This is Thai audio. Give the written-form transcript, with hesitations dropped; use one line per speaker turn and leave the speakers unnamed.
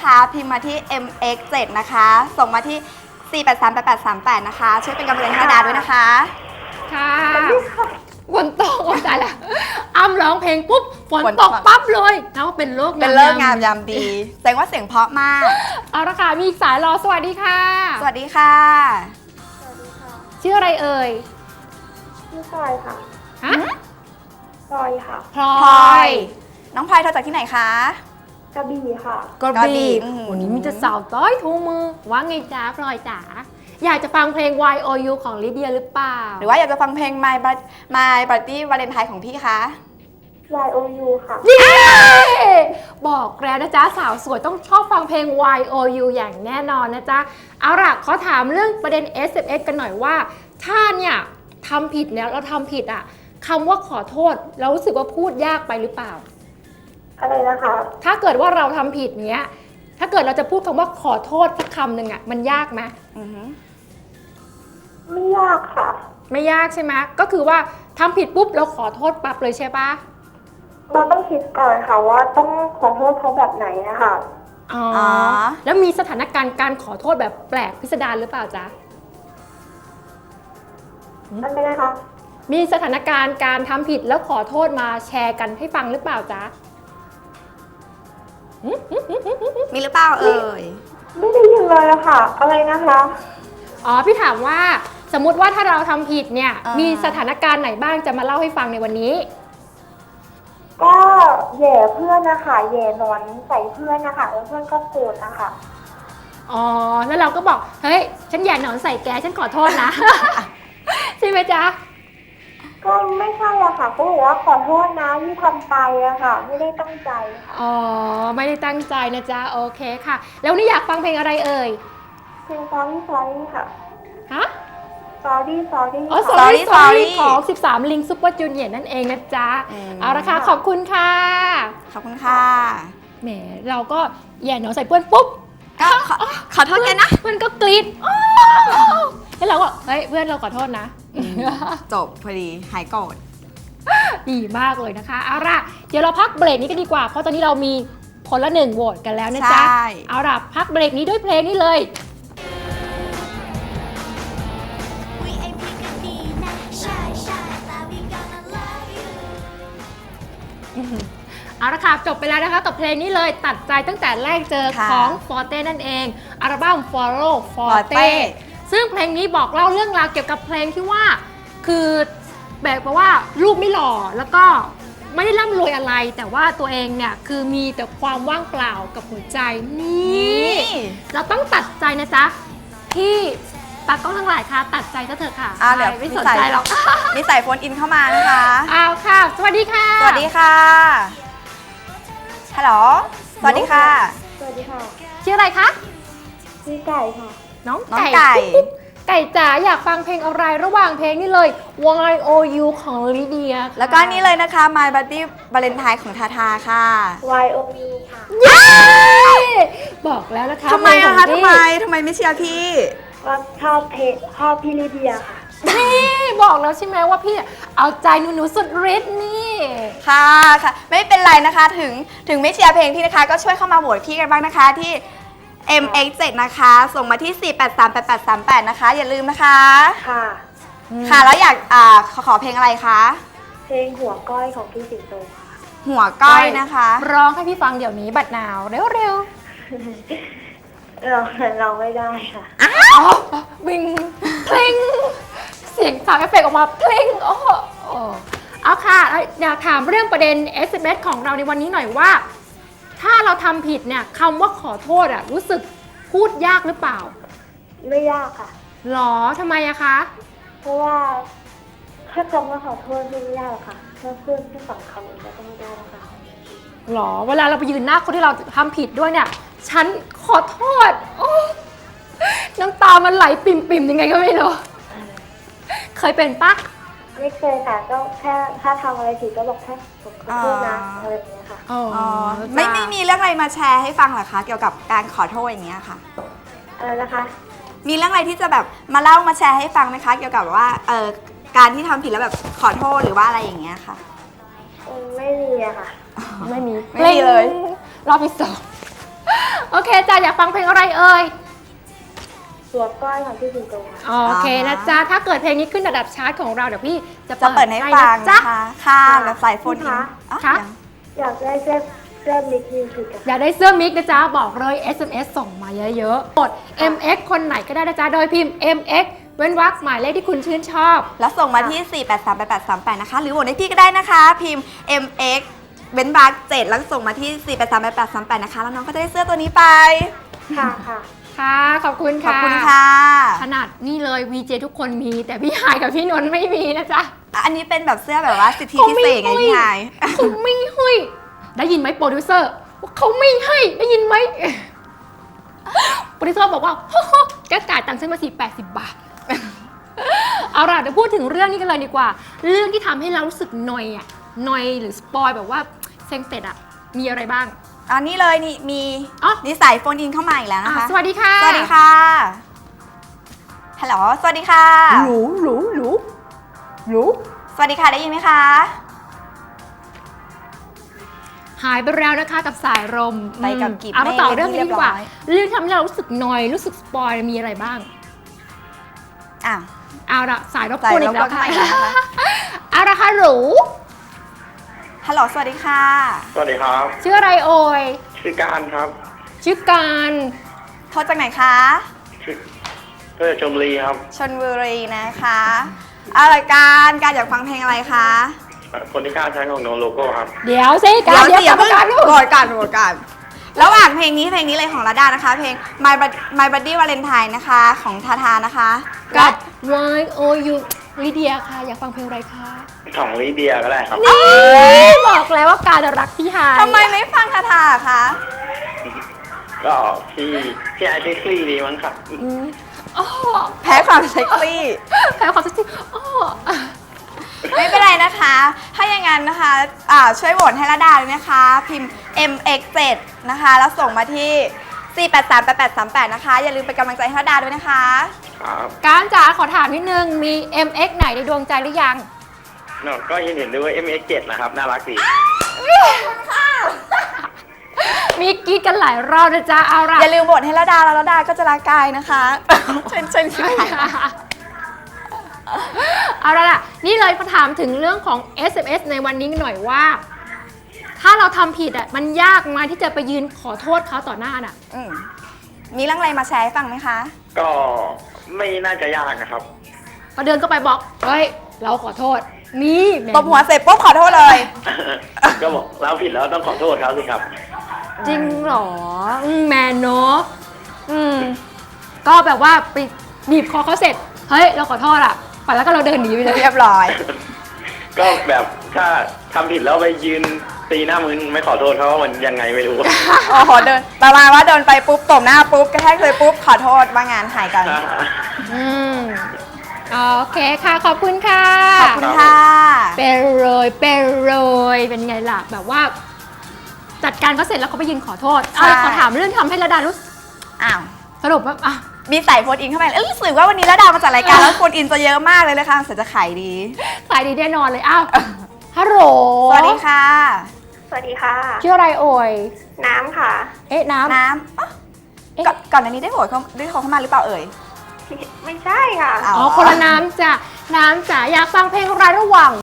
นะคะพิมพ์มาที่ MX7 นะคะส่งมาที่4838838นะคะช่วยเป็นกำลังใจให้ดาด้วยนะคะ
ค่ะฝนตกใจละอ้ำร้องเพลงปุ๊บฝนตกปั๊บเลยแล้วเป็นเลิก
งามยามดีแสดงว่าเสียงเพราะมาก
เอาละค่ะมีอีกสายรอสวัสดีค่ะ
สวัสดีค่ะ
ชื่ออะไรเอ่ย
ชื่อพลอยค่ะ
ฮะ
พลอยค่ะ
พลอย
น้องพลอยโทรจากที่ไหนคะ
กระบี่ค่ะ
กระบี่วันนี้มีแต่สาวต้อยทูมือว่าไงจ๊ะพลอยจ๋าอยากจะฟังเพลง YOU ของลิเดียหรือเปล่า
หรือว่าอยากจะฟังเพลง My Birthday Valentine ของพี่คะ
YOU ค่ะ
บอกแล้วนะจ๊ะสาวสวยต้องชอบฟังเพลง YOU อย่างแน่นอนนะจ๊ะเอาล่ะขอถามเรื่องประเด็น SMS กันหน่อยว่าถ้าเนี่ยทำผิดเนี่ยเราทำผิดอ่ะคำว่าขอโทษเรารู้สึกว่าพูดยากไปหรือเปล่า
อะไรนะคะ
ถ้าเกิดว่าเราทำผิดเนี้ยถ้าเกิดเราจะพูดคำว่าขอโทษสักคำหนึ่งอ่ะมันยากไหม
ไม่ยากค่ะ
ไม่ยากใช่ไหมก็คือว่าทำผิดปุ๊บเราขอโทษปั๊บเลยใช่ปะ
เราต้องคิดก่อนค่ะว่าต้องขอโทษเขาแบบไหนนะคะ
อ๋อแล้วมีสถานการณ์การขอโทษแบบแปลกพิสดารหรือเปล่าจ๊ะ
นั่นไม่ได้ค่ะ
มีสถานการณ์การทำผิดแล้วขอโทษมาแชร์กันให้ฟังหรือเปล่าจ๊ะ
มีหรือเปล่าเอ่ย
ไม่ได้ยินเลยอะค่ะอะไรนะคะ
อ๋อพี่ถามว่าสมมุติว่าถ้าเราทำผิดเนี่ยมีสถานการณ์ไหนบ้างจะมาเล่าให้ฟังในวันนี้
ก็แย่เพื่อนนะคะแย่นอนใส่เพื่อนนะคะแล้วเพื่อนก็โกรธนะคะ
อ๋อแล้วเราก็บอกเฮ้ยฉันแย่หนอนใส่แกฉันขอโทษนะ ใช่ไหมจ๊ะ
ก็ไม่ใช่อะค่ะเขาบอกว่าขอโทษนะที่ทำไปอะค่ะไม่ได้ตั้งใจค่ะ
อ๋อไม่ได้ตั้งใจนะจ๊ะโอเคค่ะแล้วนี่อยากฟังเพลงอะไรเอ่ย
เพลง Sorry ค่ะ
ฮะ
Sorry
อ๋อ Sorry ของ13ลิงซุปเปอร์จูเนียร์นั่นเองนะจ๊ะเอาละค่ะขอบคุณค่ะ
ขอบคุณค่ะ
แหมเราก็แย่หนอนใส่เพื่อนปุ๊บ
ก็ขอโทษกันนะ
เพื่อนก็กรี๊ดแล้วเราก็เฮ้ยเพื่อนเราขอโทษนะ
จบพอดีหายโกรธ
ดีมากเลยนะคะเอาล่ะเดี๋ยวเราพักเบรกนี้กันดีกว่าเพราะตอนนี้เรามีคนละ1โหวตกันแล้วนะจ๊ะเอาล่ะพักเบรกนี้ด้วยเพลงนี้เลยเอาละค่ะจบไปแล้วนะคะกับเพลงนี้เลยตัดใจตั้งแต่แรกเจอของฟอร์เต้นั่นเองอัลบั้ม Follow Forte ซึ่งเพลงนี้บอกเล่าเรื่องราวเกี่ยวกับเพลงที่ว่าคือแบบว่ารูปไม่หล่อแล้วก็ไม่ได้ร่ำรวยอะไรแต่ว่าตัวเองเนี่ยคือมีแต่ความว่างเปล่ากับหัวใจนี่เราต้องตัดใจนะจ๊ะที่ตากล้องทั้งหลายค่ะตัดใจก็เถอะค่ะไม่สนใจหรอก
มีสายโฟนอินเข้ามานะคะ
เอาค่ะสวัสดีค่ะ
สวัสดีค่ะฮัลโหลสวัสดีค่ะ
สวัสดีค่ะ
ชื่ออะไรคะ
ชื่อไก่ค่ะ
น้องไก่ไก่จ๋าอยากฟังเพลงอะไรระหว่างเพลงนี้เลย YOU ของลิเดีย
แล้วก็นี่เลยนะคะ My Birthday Valentine ของทาทาค่ะ
YOU ค่ะ
บอกแล้วนะคะ
ทำไมอะคะทำไมไม่เชียร์พี่
ว่าชอบพี่ลิเดียค่ะ
นี่บอกแล้วใช่ไหมว่าพี่เอาใจหนูสุดฤทธิ์นี่
ค่ะไม่เป็นไรนะคะถึงไม่เชียร์เพลงพี่นะคะก็ช่วยเข้ามาโหวตพี่กันบ้างนะคะที่ MX7 นะคะส่งมาที่4838838นะคะอย่าลืมนะคะค่ะแล้วอยากขอเพลงอะไรคะ
เพลงหัวก้อยของพี่สิงโตค่ะ
หัวก้อยนะคะ
ร้องให้พี่ฟังเดี๋ยวนี้บัดนาวเร็ว
เราไม่ได้ค่ะ
วิงเพลงเสียงสาวเอฟเฟกต์ออกมาเพลงเอาค่ะอยากถามเรื่องประเด็น SMS ของเราในวันนี้หน่อยว่าถ้าเราทำผิดเนี่ยคำว่าขอโทษอะรู้สึกพูดยากหรือเปล่า
ไม่ยากค่ะ
หรอทำไมอะคะ
เพราะว่าแค่คำว่าขอโทษไม่ยากค่ะแค่เพื่อนที่สั่งคำเองก็ไม่ได้แล้วค่ะ
หรอเวลาเราไปยืนหน้าคนที่เราทำผิดด้วยเนี่ยฉันขอโทษน้ำตามันไหลปิ่มๆยังไงก็ไม่รู้เคยเป็นปะ
ไม่เคยค่ะก็แค่ถ้าทำอะไรผิดก็บอกแค่ขอโทษนะอะไรอย่างเงี้ยค่ะ
ไม่มีเรื่องอะไรมาแชร์ให้ฟังเหรอคะเกี่ยวกับการขอโทษอย่างเงี้ยค่ะ
นะคะ
มีเรื่องอะไรที่จะแบบมาเล่ามาแชร์ให้ฟังไหมคะเกี่ยวกับว่าการที่ทำผิดแล้วแบบขอโทษหรือว่าอะไรอย่างเงี้ยค่ะ
ไม่มีอะค่ะ
ไม่มี
เลย
รอบที่2 โอเคจ้าอยากฟังเพลงอะไรเอ่ย
ตัวก้อยของพี่สิงโตค่ะ
โอเคนะจ๊ะถ้าเกิดเพลงนี้ขึ้นระดับชาร์ตของเราเดี๋ยวพี่จะ
จะเปิดให้ฟัง
นะจ๊ะ
นะคะค่ะแบบสายโฟนอินอ๋อ
ค่ะ
ยัง
อยากได้เสื้อมิกมิวสิกอะ
อยากได้เสื้อมิกนะจ๊ะบอกเลย SMS ส่งมาเยอะๆกด MX คนไหนก็ได้นะจ๊ะโดยพิมพ์ MX เว้นวรรคหมายเลขที่คุณชื่นชอบ
แล้วส่งมาที่ 4838838 นะคะ หรือโหวตให้พี่ก็ได้นะคะ พิมพ์ MX เบนบาร์7แล้วส่งมาที่ 4838838 นะคะ แล้วน้องก็จะได้เสื้อตัวนี้ไป
ค่ะค่ะ
ค่ะ ขอบคุณ
ขอบ
ค่ะ
คุณค่ะ
ขนาดนี่เลย VJ ทุกคนมี แต่พี่หายกับพี่นนท์ไม่มีนะจ๊ะ
อันนี้เป็นแบบเสื้อแบบว่าสิทธิพิเศษไงพี่ไฮาย
เขาไม่ให้ได้ยินไหมโปรดิวเซอร์ว่าเขาไม่ให้ได้ยินไหมโปรดิวเซอร์บอกว่าแกจ่ายตังค์ฉันมา80 บาท เอาล่ะเดี๋ยวพูดถึงเรื่องนี้กันเลยดีกว่า เรื่องที่ทำให้เรารู้สึกนอยอะนอยหรือสปอยแบบว่าเซ็งเสร็จอะมีอะไรบ้าง
อันนี้เลยนี่มี
อ๋อ
นี่สายโฟนอินเข้ามาอีกแล้วนะคะ
สวัสดีค่ะ
สวัสดีค่ะฮัลโหลสวัสดีค่ะ
หรูหรูหรูหรู
สวัสดีค่ะได้ยินไหมคะ
หายไปแล้วนะคะกับสายลม
ไปกับกิบ
เอามาต่อเรื่องนี้ดีกว่า
เรียบร้อย
เรื่องที่ทำให้เรารู้สึกนอยรู้สึกสปอยมีอะไรบ้าง
อ้าว
เอาละสายรบกวนอีกแล้ว
สายรบกวนเข้ามาอีกแล้วนะคะ
เอาละค่ะหรู
ฮัลโหลสวัสดีค่ะ
สวัสดีครับ
ชื่ออะไรเอ่ย
ชื่อการครับ
ชื่อการ
โทรจากไหนคะ
ชื่อเพื่อชมรีครับ
ชลบุรีนะคะอะไรการอยากฟังเพลงอะไรคะ
คนที่ฆ่าใช้ของโนโลโก้ครับ
เดี๋ยวสิการ
เดี๋ยว
กรรม
เพิ่ง
การลูก
โหวตกันระหว่างเพลงนี้เลยของระดานะคะ เพลง My Buddy Valentine นะคะของทาทานะคะ
กับ Why Oh You ลิเดียค่ะ อยากฟังเพลงอะไรคะ
ของลิเดียก็ได้ครับ
นี่บอกแล้วว่าการรักพี่หาย
ทำไมไม่ฟังทาทาคะ
ก็พี่ไอซ์คลี่ดีมั้งครับ
อ๋อ
แพ้ความเซ็กซี่
แพ้ความสักทีอ๋อ
ไม่เป็นไรนะคะ ถ้าอย่างนั้นนะคะช่วยโหวตให้ระดาเลยนะคะ พิมพ์ MX7 นะคะ แล้วส่งมาที่ 4838838 นะคะ อย่าลืมเป็นกำลังใจให้ระดาด้วยนะคะ
ครับ
การจ๋าขอถามนิดนึง มี MX ไหนในดวงใจหรือยัง
เนอะก็เห็นด้วย MX7 นะครับ น่ารักดี
มีกรีดกันหลายรอบนะจ๊ะ เอาล่ะ
อย่าลืมโหวตให้ระดาแล้วระดาก็จะรักกายนะคะ เชิญค่ะ
เอาล่ะ นี่เลยมาถามถึงเรื่องของ SMS ในวันนี้หน่อยว่า ถ้าเราทำผิดอ่ะ มันยากไหมที่จะไปยืนขอโทษเขาต่อหน้าน่ะ
อืมมีเรื่องอะไรมาแชร์ให้ฟังไหมคะ
ก็ไม่น่าจะยากนะครับ
ก็เดินเข้าไปบอก เฮ้ย เราขอโทษ นี่แหม
ตบหัวเสร็จปุ๊บขอโทษเลย
ก็บอกเราผิดแล้วต้องขอโทษเขาสิครับ
จริงเหรอแมนเนาะก็แบบว่าไปบีบคอเขาเสร็จ เฮ้ย เราขอโทษอ่ะไปแล้วก็เราเดินหนีไปเลย
เรียบร้อย
ก็แบบถ้าทำผิดแล้วไปยืนตีหน้ามือไม่ขอโทษเขาว่ามันยังไงไม่รู้
โอ้โหเดินประมาณว่าเดินไปปุ๊บตบหน้าปุ๊บกระแทกเลยปุ๊บขอโทษว่างานหายกัน
อืมโอเคค่ะ ขอบคุณค่ะ
ขอบคุณค่ะ
เป็นเป็นไงล่ะ แบบว่า จัดการเขาเสร็จแล้วเขาไปยืนขอโทษ
ใช่
ขอถามเรื่องที่ทำให้ระดารู้สึก
อ้าว
สรุปว่าอ่ะ
มีสายโฟนอินเข้าไปรู้สึกว่าวันนี้ระดามาจัดรายการแล้วโฟนอินจะเยอะมากเลยนะคะเสร็จจะขายดี
สายดีแน่นอนเลย อ้าว ฮัลโหล
สวัสดีค่ะ
สวัสดีค่ะ
ชื่ออะไรเอ่ย
น้ำค่ะ
เอ๊ะ น้ำ
น้ำอ๊ะ
เอ๊ะ
ก่อนอันนี้ได้โหวตเขาได้โทรเข้ามาหรือเปล่าเอ่ย
ไม่ใช่ค่ะ
อ๋อ
อ๋อ คนละน้ำจ้ะ น้ำจ๋าอยากฟังเพลงอะไรระหว่าง